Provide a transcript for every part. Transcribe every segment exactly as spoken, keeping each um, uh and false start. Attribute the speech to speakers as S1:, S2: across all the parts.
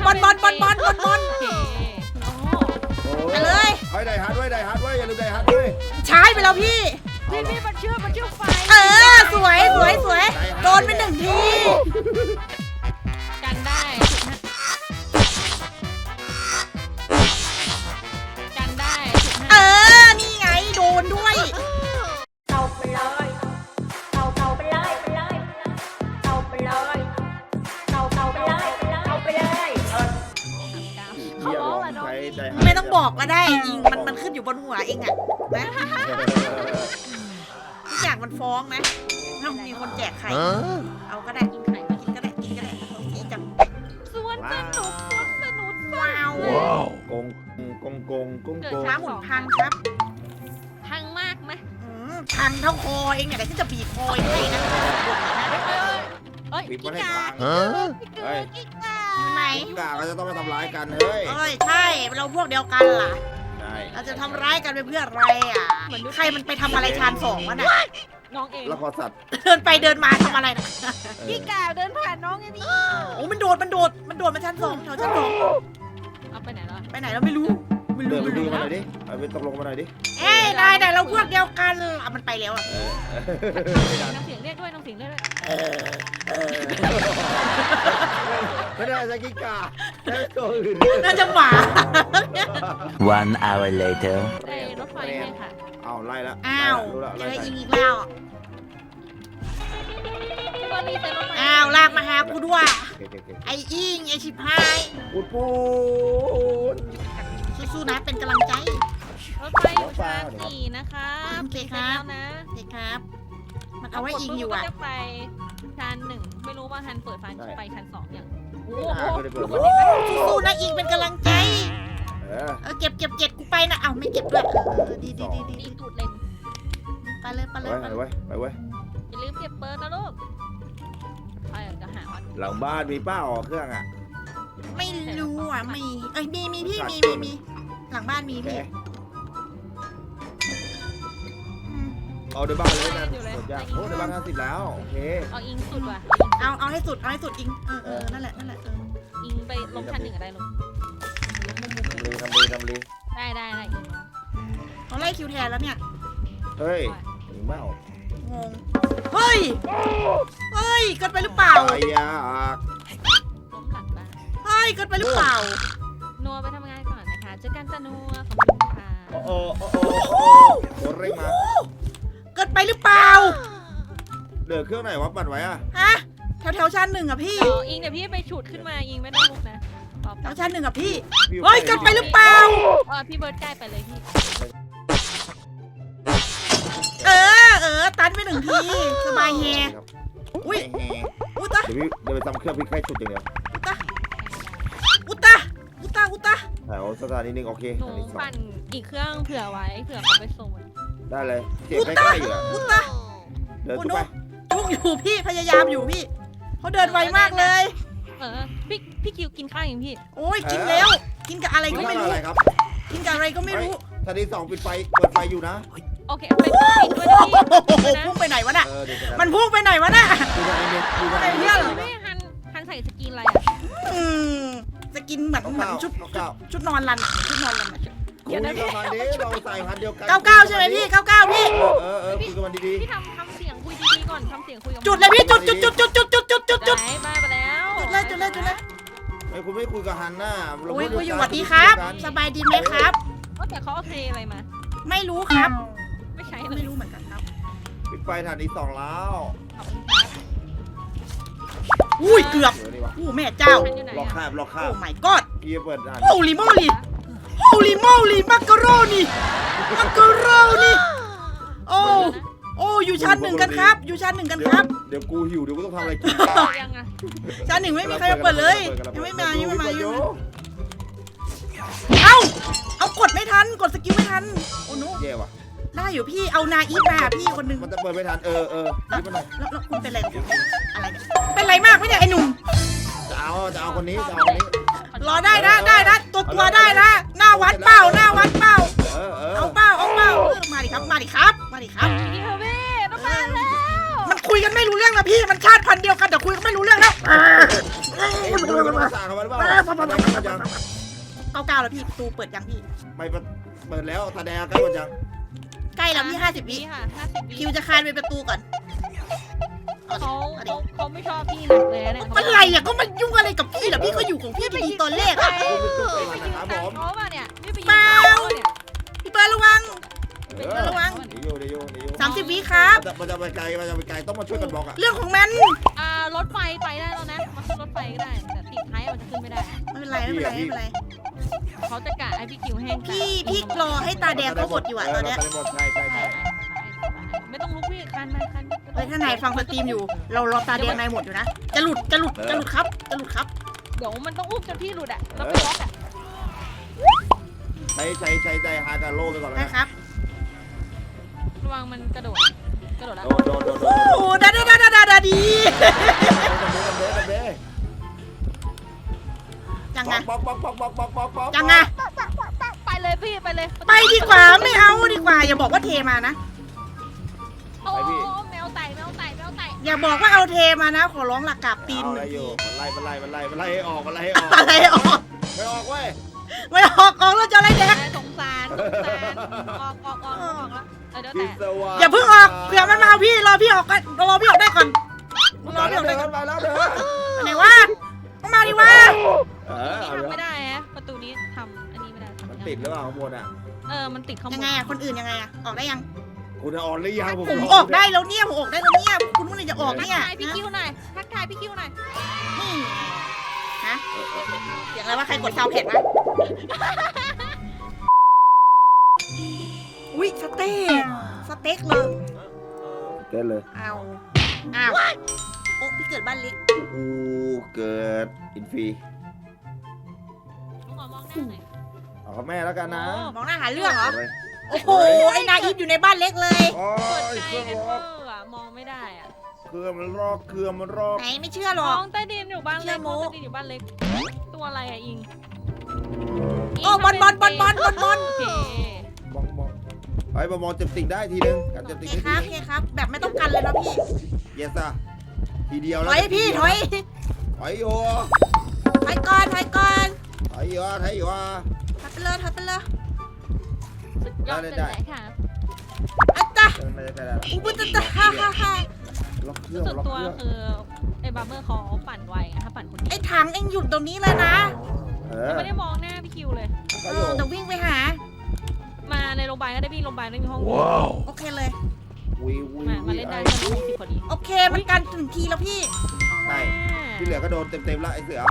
S1: บอลบอลบอลบอลบอลบอล
S2: โอเคโอ้
S1: ไปเลย
S3: เฮ้ยไดฮาร์ดด้วยไดฮาร์ดด้วยอย่าลืมไดฮาร์ดด้วย
S1: ใช้ไปแล้วพี่
S2: พี่พี่มันเชื่อมันเชื่อไฟ
S1: เออสวยสวยสวยโดนไปหนึ่งที
S2: กันได้กันได้
S1: เออนี่ไงโดนด้วย
S4: เอาไปเลยเอาเอาไปเลยไปเลยเอาไปเลยเอาเอาไปเลยเอาไปเลยเออ
S2: เขาร้องอะน้อง
S3: ใช้ไดฮาร์ด
S1: ไม่ต้องบอกก็ได้ยิงมันมันขึ้นอยู่บนหัวเองอะนะทุกอย่างมันฟ้องนะถ้ามีคนแจกไข่เอาก็ได้กินไข่กินก็ได้กินก็ได้กินจัง
S2: สวนสนุกสวนสนุก
S1: ว้าว
S3: กงกงกงกงกง
S1: ช้าหมุนพังครับ
S2: พังมากไหม
S1: อืมพังเท่าคอเองเนี่ยเดี๋ยวฉันจะบีบคอเองให้นะ
S2: เอ้ย
S3: ปิด
S2: กิ๊
S3: มันให้
S2: กา
S3: พัง
S2: กิ๊กากิ๊กา
S1: อยู่ไหน
S3: กาก็จะต้องมาทำร้ายกันเฮ้ย
S1: เอ้ยใช่เราพวกเดียวกันล่ะ
S3: ใช่
S1: เราจะทำร้ายกันไปเพื่ออะไรอ่ะใครมันไปทำอะไรชานสองวะน่ะ
S2: น้องเอง
S3: แล้วคอสัตว์
S1: เดินไปเดินมาทำอะไรนะ
S2: กิ๊กาเดินผ่านน้องไงนี่
S1: โอ้มันโดดมันโดดมันโดดมาชั้นสองแถวชั้นสอง
S2: เอาไปไหนแล้ว
S1: ไปไหนเราไม่รู้ไม่
S3: เดิ
S1: รู้
S3: นไปดูมาหน่อยดิไปตกลงมาหน่อยดิ
S1: เอ้ยนายแต่เราพวกเดียวกันอ่ะมันไปแล้วอ่ะ
S3: เออ
S2: น้ำเสียงเรียกด้วยน้ำเสียงเรียกด้วย
S1: เออเออ
S3: ไม่ได้ใช้กิกาใช้ตัวอื่น
S1: น่าจะหมา
S5: One hour later.
S2: ได้รถไฟให้ค่ะ
S3: เอาไล่แล้ว
S1: อ้าว
S3: รู้แล้ว
S1: เจ
S3: ไล่
S1: อ
S3: ใคร
S1: อีกอีกแล้ว
S2: พี่บอลลี่เซ็นรถไฟ
S1: อ้าวลากมาหากูด้วย
S3: โอเคโอเค
S1: ไอ้อิงไอ้ชิพาย
S3: ปูดปูด
S1: สู้ๆนะเป็นกำลังใจ
S2: รถไฟอยู่ชั้นสี่นะคะ
S1: โอเคครับ
S2: แล้วนะ
S1: โอเคครับ มันเอาไว้อิงอยู่อ่ะ
S2: ก็จะไปชั้นหนึ่งไม่รู้ว่าฮันเปิดฟันไปชั้นสองอย่างโอ้โห
S3: อ่าก็ได้เปิด
S1: สู้ๆนะอิงเป็นกำลังใจ
S3: เออ
S1: เออเก็บเก็บเก็บกูไปนะเอาไม่เก็บด้วยเออดีดีดีดี
S2: ดี
S1: ดี
S2: ตูดเลน
S1: ไปเลยไป
S3: ไป
S1: เลยไป
S3: ไป
S1: เลย
S3: ไว้ไปไว้
S2: อย่าลืมเก็บเบอร์นะลูกเออจะหาวัด
S3: หลังบ้านมีป้าออกเครื่องอ่ะ
S1: ไม่รู้อ่ะไม่เอ้ยมีมีพี่มีมีมีหลังบ้านมี
S3: โอเค
S1: พี่อืม
S3: เอาในบ้านเลยนะหมดยังโอ้ในบ้านห้าสิบแล้วโอเค
S2: เอาอิงสุดว่ะ
S1: เอาเอาให้สุดเอาให้สุดอิงเออเออนั่นแหละนั่นแหละเออ
S2: อิงไปลงชั้นหนึ่งก็ได้ลูก
S3: ทำลีทำลีทำลี
S2: ได้ได้ได้อิง
S1: เขาไล่คิวแทนแล้วเนี่ย
S3: เฮ้ยถึงเบ้าง
S1: งเฮ้ยเฮ้ยเกินไปหรือเปล่า
S3: ตายยาก
S2: ล้มหลังบ้าน
S1: เฮ้ยเกินไปหรือเปล่า
S2: นัวไปทำงานก่อนนะคะเจอกันจ้านัวขอบคุณค่ะ
S3: โอ้โอ้โอ้โอ้โอ้โหเร่งมา
S1: เกินไปหรือเปล่า
S3: เหลือเครื่องไหนวะปัดไว้อะ
S1: ฮะแถวแถวชั้นหนึ่งอ่ะพี่
S2: เดี๋ยวอิงเดี๋ยวพี่ไปฉุดขึ้นมาอิงไม่ได้ลูกนะตอบ
S1: แถวชั้นหนึ่งอ่ะพี่
S3: พี่
S1: เฮ้ยเกินไปหรือเปล่า
S2: เออพี่เบิร์ดใกล้ไปเลยพี่
S1: เออเออตันไปหนึ่งทีสบายแฮ
S3: อุ้ย
S1: อุตะ
S3: เดี๋ยวพี่เดี๋ยวไปทำเครื่องพี่แค่ชุดอย่างเดียว
S1: อุตะอุตะอุตะอุตะ
S3: แถวสถานีหนึ่งโอเค
S2: หนู
S3: อันนี้สอง
S2: ปั่นอีกเครื่องเผื่อไว้เผื่อเขาไปส่ง
S3: ได้เลยเสียบใกล้ๆอยู่อะ
S1: อุตะ
S3: เดินทุกไป
S1: จุกอยู่พี่พยายามอยู่พี่เขาเดินไวมากเลย
S2: เออพี่พี่คิวกินข้าวอย่างพี่
S1: โอ้ยกินแล้ว กินกับอะไรก็ไม่รู้
S3: อะไรครับ
S1: กินกับอะไรก็ไม่รู้
S3: สถานีสองปิดไฟเปิดไฟอยู่นะ
S2: โอเคไปปิดด้วยนะพี่
S1: โอ้โห
S2: ปิดด้วยนะ
S1: พุ่งไปไหนวะน่ะ
S3: เออเดี๋ยวจะ
S1: มันพุ่งไปไหนวะน่ะ
S3: ดูทางนี้ดูทาง
S1: ไอ้
S3: นี้
S1: เหี้ย
S2: ไม่ฮันฮันใส่สกินอะไรอ่ะ
S1: อืมจะกินเหมือนเหมือนชุด
S3: เก้า
S1: ชุดนอนรันอะชุดนอนรันอะ
S3: คุยกันมาดิเราใส่พันเดียวกัน
S1: เก้าเก้าใช่ไหมพี่เก้าเก้าพี่
S3: เออเออคุยกันมาดี
S2: พี่ทำทำเสียงคุยดีๆก่อนทำเสียงคุยกับ
S1: จุดเลยพี่จุดจุดจุดจุดจุดจุดจุดจุดจุด
S2: ไหนบ้าไปแล้ว
S1: จุดเลยจุดเลยจุดเลย
S3: ๆไม่คุณไม่คุยกับฮันน่า
S1: อุ้ยคุยอยู่สวัสดีครับ สบายดีไหมครับ
S2: ก็แต่เขาโอเคอะไรมา
S1: ไม่รู้ครับ
S2: ไม่ใช่เล
S1: ไม่
S3: Dạ.
S2: ย
S1: รู้เหมือนกันครับ
S3: ปิดไฟฐานนี้สองแล้ว
S2: ขอบคุณครับ
S1: อุ้ยเกือบ
S3: เดี๋ยวนี่วะ
S1: อู้แม่เจ้า
S2: ฮันอยู่ไหน
S3: ล็อก
S2: อ่ะ
S3: คาบล็อกคา
S1: โอ้
S3: บ
S1: my god
S3: พี่เปิดฐาน
S1: holy moly holy moly macaroni macaroni โอ้โอ้อยู่ชั้นหนึ่งกันครับ อยู่ชั้นหนึ่งกัน
S3: เดี๋ยว
S1: ครับ
S3: เดี๋ยวกูหิวเดี๋ยวกูต้องทำอะไรกิน
S2: ยังอ่ะ
S1: ชั้นหนึ่งไม่มีใครมาเปิดเลยยังไม่มายังไม่มายัง
S3: โย
S1: ไม่มาเอ้าเอากดไม่ทันกดสกิลไม่ทันโอ้โน
S3: แย่ว่ะ
S1: ได้อยู่พี่เอานาอีฟมาพี่คนหนึ่ง
S3: มันจะเปิดไม่ทันเออเออรีบมาหน่อย
S1: แล้วแล้วคุณเป็นอะไรเนี่ยอะไรเนี่ยเป็นไรมากไหมเนี่ยไอ้หนุ่ม
S3: จะเอาจะเอาคนนี้จะเอาคนนี้
S1: รอได้นะได้นะตัวตัวได้นะหน้าวัดเป้าหน้าวัดเป้า
S3: เออเออ
S1: เอาเป้าเอาเป้าเออมาดิครับมาดิครับมาดิครับ
S2: พี่เฮเว่ต้องมาแล้ว
S1: มันคุยกันไม่รู้เรื่องแล้วพี่มันชาติพันธุ์เดียวกันแต่คุยกันไม่รู้เรื่องแล้ว
S3: เอ้ยคุณก็ต้องสั่งเขามาหรือเปล่ายัง
S1: เก้าเก้าแล้วพี่ประตูเปิดยังพี่
S3: ไม่เปิดแล้วตาแดงใกล้หมดยัง
S1: ใกล้แล้วพี่ห้าสิบวิ
S2: ค่ะห้าสิบวิ
S1: คิวจะคานไปประตูก่อนเอาดิ
S2: เขา
S1: เอาดิ
S2: เขาเขาไม่ชอบพี่หนักเลยนะเนี่ย
S1: มันไรอ่ะก็มันยุ่งอะไรกับพี่ล่ะพี่ก็อยู่ของพี่ดีๆตอนแรก
S2: ไป
S1: อะ
S3: คุณเป็นตุ๊ก
S2: ไป
S3: ตา
S2: ยื
S3: นะครับ
S2: น
S3: ผ
S2: ตัด
S3: ม
S2: เขาป่ะเนี่ยไม่ไปยืน
S1: เปล่า
S2: ตัดเขาเนี่ย
S1: พี่เปิดระวัง
S3: เออ
S1: ระวัง
S3: เดี๋ยวอยู่เดี๋ยวอยู่เดี๋ยวอยู่
S1: สามสิบวิครับ
S3: มันจะมันจะไปไกลมันจะไปไกลต้องมาช่วยกันบล็อกอ่ะ
S1: เรื่องของมัน
S2: อ่ารถไฟไปได้แล้วนะมาขึ้นรถไฟก็ได้แต่ติดท้ายมันจะขึ้นไม่ได้
S1: ไม่เป็นไรไม่เป็นไรไม่เป็นไร
S2: เขาจะกะไอพี่คิวแห้ง
S1: พี่พี่รอให้ตาแดงเขาหมดอยู่อะตอนเนี้ย
S3: ตาแดงหมดใช่ใช่
S2: ใช่
S3: ใช่
S2: ไม่ต้องลุกพี่คันมาคัน
S1: เฮ้ยถ้านายฟังสตรีมอยู่ เรารอตาแดงนายหมดอยู่นะจะหลุดจะหลุดจะหลุดครับจะหลุดครับ
S2: เดี๋ยวมันต้องอุ้มจนพี่หลุดอ่ะแล้วไปล็อกอ่ะ
S3: ใช้ใช้ใช้ใจฮาการโล่ไปก่อนแล้ว
S1: ได้
S3: นะครับ
S2: ระวังมันกระโดดกระโดดแล้ว
S3: โดนโดนโดนโดน
S1: โอ้ดาดาดาดาดาดาดี
S3: เบ้เบ้
S1: ยังไง
S3: บล็อกบล็อกบล็อกบล็อกบล็อกบล็อกบล็อก
S1: ยังไง
S2: ไปเลยพี่ไปเลย
S1: ไปดีกว่าไม่เอาดีกว่า อย่าบอกว่าเทมานะ
S2: โอ้แมวไต่แมวไต่แมวไต่
S1: อย่าบอกว่าเอาเทมานะ ขอร้องหลักกราบตีน
S3: เอา
S1: ห
S3: อะไร
S1: นึ่ง
S3: อยู่
S1: ที
S3: มันไล่มันไล่มันไล่มันไล่ให้ออกมันไล่ให้ออก
S1: อะไรออก
S3: ไม่ออกเว้ย
S1: ไม่ออกออกแล้วจะอะไรแดก
S2: สงสารสงสารออกออกออกออกแล้วเออเดี๋ยว
S3: พิ
S2: แต่
S3: ศวา
S1: อย่าเพิ่งออกเผื่อมันมาเอาพี่รอพี่ออกกันรอพี่ออกได้ก่อนรอ
S3: มา
S1: พี่
S3: แล้
S1: อ
S3: ว
S1: อก
S3: เดิ
S1: ได้ก่อน
S3: นมาแล้วเดิน
S1: อันไหนวะต้องมาดิวะ
S3: เออเอา
S2: ทำ
S3: แล้ว
S2: ไม่ได้ฮะประตูนี้ทำอันนี้ไม่ได้
S3: มันติดหรือเปล่าข้างบนอ่ะ
S2: เออมันติดข้างบน
S1: ยังไงอะคนอื่นยังไงอะออกได้ยัง
S3: คุณออนหรือยังผม
S1: ผมออกได้แล้วเนี่ยผมออกได้แล้วเนี่ยคุณเมื่อไหร่จะออก
S2: ทัก
S1: เนี่ย
S2: ทายพี่คิวหน่อยทักทายพี่คิวหน่อย
S1: นี่ฮะเสียงอะไรว่าใครกดซาวด์แผ่นวะอุ้ยสเต็กสเต็กเลย
S3: เกิดเลย
S1: เอาอ้าวโอ้พี่เกิดบ้านเล็ก
S3: กูเกิดอินฟี
S2: ลุงขอมองหน้าหน่อย
S3: เอากับแม่แล้วกันนะ
S1: มองหน้าหาเรื่องเหรอ
S3: ไป
S1: โอ้โห ไอ้นาอีฟอยู่ในบ้านเล็กเลย
S3: โอ้
S2: เปิด
S3: ย
S2: ใจ
S3: เครื่อง
S2: เน็ต
S3: ล็
S2: เว
S3: อ
S2: อก ร์อะมองไม่ได้อะ
S3: เครื่องมันรอกเครื่องมันรอก
S1: ไหนไม่เชื่อหร
S2: ม
S1: อก
S2: องใต้ดินอยู่บ้านเล็ก
S1: เชื่อโม้
S2: มองใต้ดินอยู่บ้านเล็ก ตัวอะไรอะอิง
S1: โอ้บอลบอลบอลบอลบอลบอล
S2: โอเค
S3: มองมองไอ้บอมองเจ็บติ่งได้ทีนึงกัน
S1: โอ
S3: เจ็บติ่ง
S1: เค
S3: ได้
S1: ค
S3: ที
S1: รับโอเคครับ แบบไม่ต้องกันเลยนะพี่
S3: เยสอะทีเดียว
S1: ถ
S3: แล้ว
S1: อยพี่ถอย
S3: ถอยอยู่
S1: ถอยก่อนถอยก่อน
S3: ถอยอยู่ถอยอยู่
S1: ถอยไปเลยถอยไปเลย
S2: สุดยอด
S3: ได้
S2: เลย
S3: ได้
S2: ค่ะ
S1: อัตตา
S3: เดินไปได้แล้ว
S1: อุบุตตะฮ่าฮ่าฮ่า
S3: ล็อกเครื่อง
S2: ส่วน
S3: ล็อก
S2: ตัว
S3: เครื่อง
S2: คือไอ้บัมเมอร์เขาปั่นไวอะถ้าปั่นคนเดียว
S1: ไอ้ถังเอ็งหยุดตรงนี้เลยนะ
S3: เอ
S2: ยัง
S3: อ
S2: ไม่ได้มองหน้าพี่คิวเลย
S1: เออเดี๋ยววิ่งไปหา
S2: มาในโรงพยาบาลก็ได้พี่โรงพยาบาลไม่มีห้อง
S1: โอเคเลย
S3: วีวี
S2: มามา
S3: วี
S2: เล่นได้
S3: ไอ้
S2: ก็มีหกสิบพอดี
S1: โอเคมันกันถึงทีแล้วพี่
S3: ใช่ที่เหลือก็โดนเต็มๆแล้วไอ้เสือ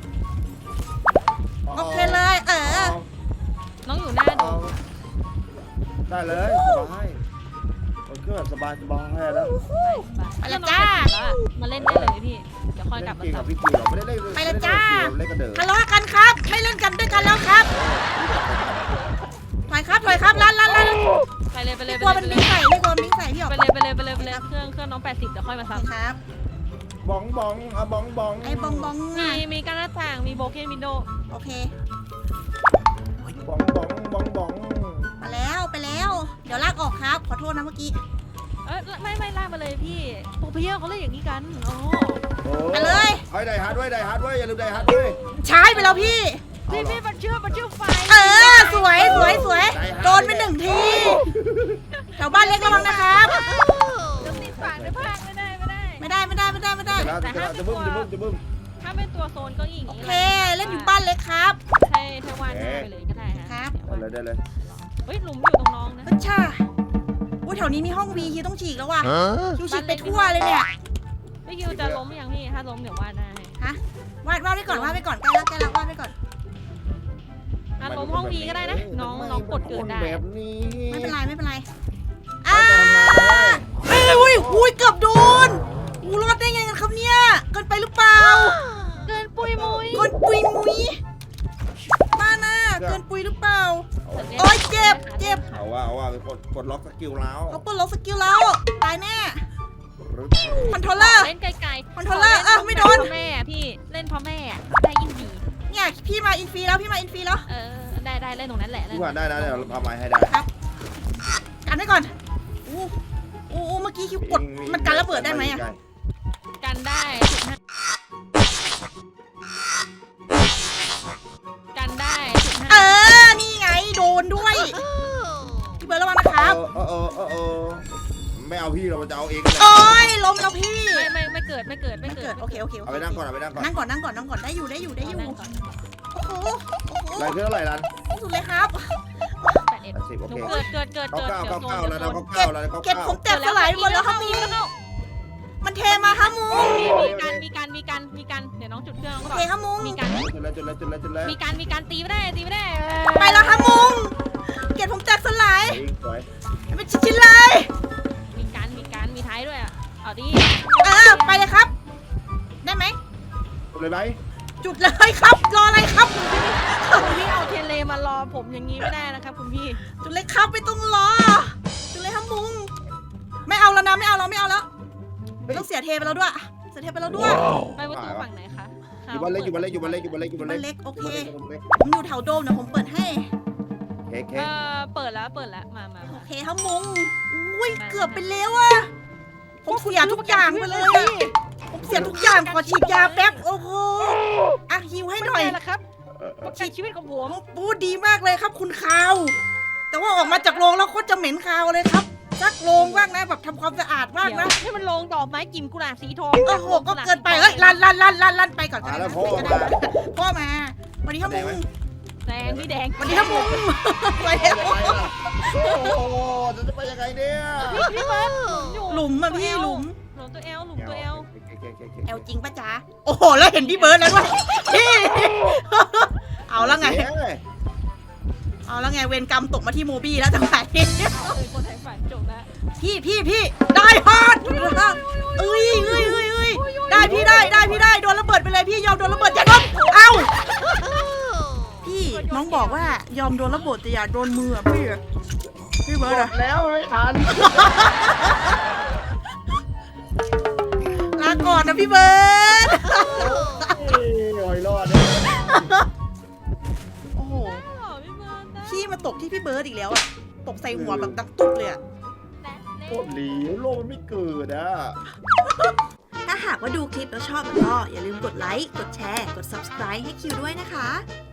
S1: โอเคเลยเออ
S2: น้องอยู่หน้าดู
S3: ได้เลยสบายมันเครื่องแบบสบายสบายแล้ว
S1: ไปละจ้า
S2: มาเล่นได้เลยพี่เดี๋ยวค่อยกลับมา
S3: เล่นเกม
S2: สั
S3: กับบ พี่คิวหรอไม่ได้เล่น
S1: ไปละจ้า
S3: เล่นกระเดิด
S1: ทะเลาะกันครับ ไม่เล่นกันด้วยกันแล้วครับถอยครับถอยครับลันลันลัน
S2: ไปเลยไปเลย
S1: กลัวมัน
S2: ไป
S1: บิ
S2: เลย
S1: งใส่ไม่กลัวมันบิงใส่พี่ออก
S2: ไปเลยไปเลยไปเลยไปเลยเครื่องเครื่องน้องแปดสิบเดี๋ยวค่อยมา
S1: โอ
S2: ซ้
S1: เคครับ
S3: บ้องบ้องอ่ะบ้องบ้อง
S1: ไอ้บองบอง
S2: ำมี
S1: อ่ะ
S2: มีการหน้าต่างมีโบเกนวินโดว์
S1: โอเค
S3: บ้องบ้องบ้องบ้อง
S1: มาแล้วไปแล้ว เดี๋ยวลากออกครับ ขอโทษนะเมื่อกี้
S2: เอ้ยไม่ไม่ลากมาเลยพี่โปรเพเยอร์เขาเล่นอย่างนี้กันโอ้
S1: ไปเลย
S3: ไอ้ไดฮาร์ดไว้ไดฮาร์ดไว้อย่าลืมไดฮาร์ดด้วย
S1: ใช้ไปแล้วพี่
S2: พี่พี่มันเชื่อมันเชื่อไฟ
S1: เออ สวยสวยสวยโดนไปหนึ่งทีแถวบ้านเล็กระวังนะครับ
S2: จะติดฝาในภาคไม่ได้ไม่ได้
S1: ไม่ได้ไม่ได้ไม่ได้ไม่ได้
S3: แล้วจะจะบึ้มจะบึ้มจะบึ้ม
S2: ถ้าเป็นตัวโซนก็อย่าง
S1: โอ
S2: นี้
S1: เค เล่นอยู่บ้านเล็กครับ
S2: ใช่ถ้าวาดหน้าไปเลยก็ได้ฮะ
S1: ครับ
S3: ได้เลยได้เลย
S2: เฮ้ยหลุมอยู่ตรงน้องนะ
S1: พัชชาอุ้ยแถวนี้มีห้องวีคิวต้องฉีกแล้วว่ะคิวฉีกไปทั่วเลยเนี่ย
S2: พี่คิวจะล้มยังพี่ถ้าล้มเดี๋ยววาดได้
S1: ฮะวาดวาดไว้ก่อนวาดไว้ก่อนใกล้แล้วใกล้แล้ววาดไว้ก่อน
S2: อ่ะล้มห้องวีก็ได้นะน้องน้องกดเกิดได้
S3: แบบนี้
S1: ไม่เป็นไรไม่เป็นไร
S3: อ่า
S1: เอ้ยอุ้ยอุ้ยเกือบโดนอูรอดได้ไงกันครับเนี่ยเกินไปหรือเปล่า
S2: เกินปุยมุย
S1: เกินปุยมุยบ้าน่ะเกินปุยหรือเปล่าโอ้ยเจ็บเจ็บ
S3: เอาว่าเอาว่าไปกดกดล็อกสกิลแล้ว
S1: เขาปลดล็อกสกิลแล้วตายแน่คอนโทรลเลอร์
S2: เล่นไกลๆ
S1: คอนโทรลเลอร์เอ้าไม่โดน
S2: พ่อแม่พี่เล่นพ่อแม่ได้ยิ่งดี
S1: เนี่ยพี่มาอินฟรีแล้วพี่มาอินฟรีแล้ว
S2: เออได้ได้เล่นตรงนั้นแหละ
S3: ทุกคนได้นะเดี๋ยวเราทำไม้ให้ได้
S1: กันไว้ก่อนอู้โอ้เมื่อกี้คิวกดมันกันระเบิดได้ไหมอะ
S2: กันได้กันได้
S1: เออนี่ไงโดนด้วยพี่เบิร์ดระวังนะครับ
S3: เออเออเออเออไม่เอาพี่เราจะเอาเอง
S1: โอ้ยล้มแล้วพี่
S2: ไม่ไม่ไม่เกิดไม่เกิดไม่
S1: ไม่
S2: เกิ
S1: เกิ
S2: ด
S1: ดโอเคโอเคโอ
S3: เอา
S1: เค
S3: ไปนั่งก่อนเอาไปนั่งก่อน
S1: นั่งก่อนนั่งก่อนนั่งก่อนได้อยู่ได้อยู่ได้อยู่
S2: นั่งก่อน
S1: โอ้โหโอ้โห
S3: อะไรคือเท่าไหร่ลัน
S1: สุดเลยครับ
S2: แปดเอ็ด
S3: สิบโอ
S2: หนู
S3: เค
S2: เกิดเกิดเกิด
S3: เก้า
S2: เกิด
S3: เก้า
S2: เดี๋ยว
S3: เก้า
S2: โซน
S3: เก้า
S2: เดี๋ยว
S3: แล้ว
S2: โซ
S3: นะ
S2: น
S3: เก้าเก้าแล้วนะเก้า
S1: เก็บผมแตกสลายหมดแล้วครับมึงมันเทมาครับมึง
S2: มีการมีการมีการมีการเดี๋ยวน้องจุดเครื่องน้อง
S1: โอ
S2: ก่อ
S1: เคน ครับมึง
S2: มีการ
S3: จุดแล้วจุดแล้วจุดแล้วจุดแล้ว
S2: มีการมีการตีไม่ได้ตีไม่ได้
S1: ไปแล้วครับมึงเก็บผมแตกสลาย
S3: สวย
S1: เป็นชิ้นๆเลย
S2: มีการมีการมีท้ายด้วยอ่ะเอาดิ
S1: เออไปเลยครับ ได้ไหม
S3: จุดเลยไหม
S1: จุดเลยครับรออะไรครับ
S2: คุณพี่เอาเทเลมารอผมอย่างนี้ไม่ได้นะครับคุณพี่
S1: จุดเลยครับไม่ต้องรอ จุดเลยครับมึงไม่เอาแล้วนะไม่เอาแล้วไม่เอาแล้วต้องเสียเทไปแล้วด้วยเสียเทไปแล้วด้วย
S2: ไปประตูฝั่งไหนคะ
S3: อยู่บ้านเล็กอยู่บ้านเล็กอยู่บ้านเล็กอยู่บ้านเล็กอยู่บ้าน
S1: มั
S3: เล็
S1: น
S3: ก
S1: เล็กโอเค
S3: เล็ก
S1: ผมอยู่แถวโดมเดี๋ยวผมเปิดให้
S3: เค้ก
S2: เอ
S3: เค้ก
S2: อเปิดแล้วเปิดแล้วมามา
S1: โอ
S2: มา
S1: เคครับมุงอุ้ยเกือบไปแล้วอะผมเสียทุกอย่างไปเลยอะผมเสียทุกอย่างขอฉีดยาแป๊บโอ้โหอ่ะฮิวให้หน่อย
S2: ไม่ได้ละครับประกันชีวิตของผม
S1: พูดดีมากเลยครับคุณคาว แต่ว่าออกมาจากโรงแล้วโคตรจะเหม็นคาวเลยครับซักโรงบ้างนะแบบทำความสะอาดบ้าง
S2: เดี๋ยว
S1: นะ
S2: ให้มันลงดอกไม้กิ่มกุหลาบสีทอง
S1: โอ้โหก็เกินไปเฮ้ยลันลันลันลันลันไปก่อนก็
S3: มา
S1: ได้
S3: แล้ว
S1: นะ
S3: พ่อ
S1: ก็
S3: มา
S1: ได้พ่อมาวันนี้ครับมุง
S2: แดงพี่แดง
S1: วันนี้ครับมุงไปแล้ว
S3: โอ้โหจะไปยังไงเนี่ย
S2: พี่เบิร์ดอยู่
S1: หลุมอะพี่หลุม
S2: หลุมตัวเอลหลุมตัวเอล
S1: แอลจริงปะจ๊ะโอ้โหแล้วเห็นพี่เบิร์ดแล้วด้วยพี่เอาแล้วไง เอาแล้วไงเวรกรรมตกมาที่โมบี้แล้วจังหวะนี้
S2: เป็นคนไทยฝ่ายจบแล้ว
S1: พี่พี่พี่ได้ฮอตเอ้ยเอ้ยเอ้ยเอ้ยได้พี่ได้ได้พี่ได้โดนระเบิดไปเลยพี่ยอมโดนระเบิดอย่าโดนเอ้าพี่น้องบอกว่ายอมโดนระเบิดแต่อย่าโดนมืออะพี่พี่เบิร์ดอะ
S3: แล้วไม่ทัน
S1: ลาก่อนนะพี่เบิร์ด
S3: โอ้ยรอดเนี่ย
S1: โอ้โห
S2: พี่เบิร์ดนะ
S1: พี่มาตกที่พี่เบิร์ดอีกแล้วอะตกใส่หัวแบบดังตุ๊บเลยอะ
S3: โคตรหลีโลกมันไม่เกิดอ่ะ
S1: ถ้าหากว่าดูคลิปแล้วชอบก็อย่าลืมกดไลค์ กดแชร์ กด ซับสไครบ์ ให้คิวด้วยนะคะ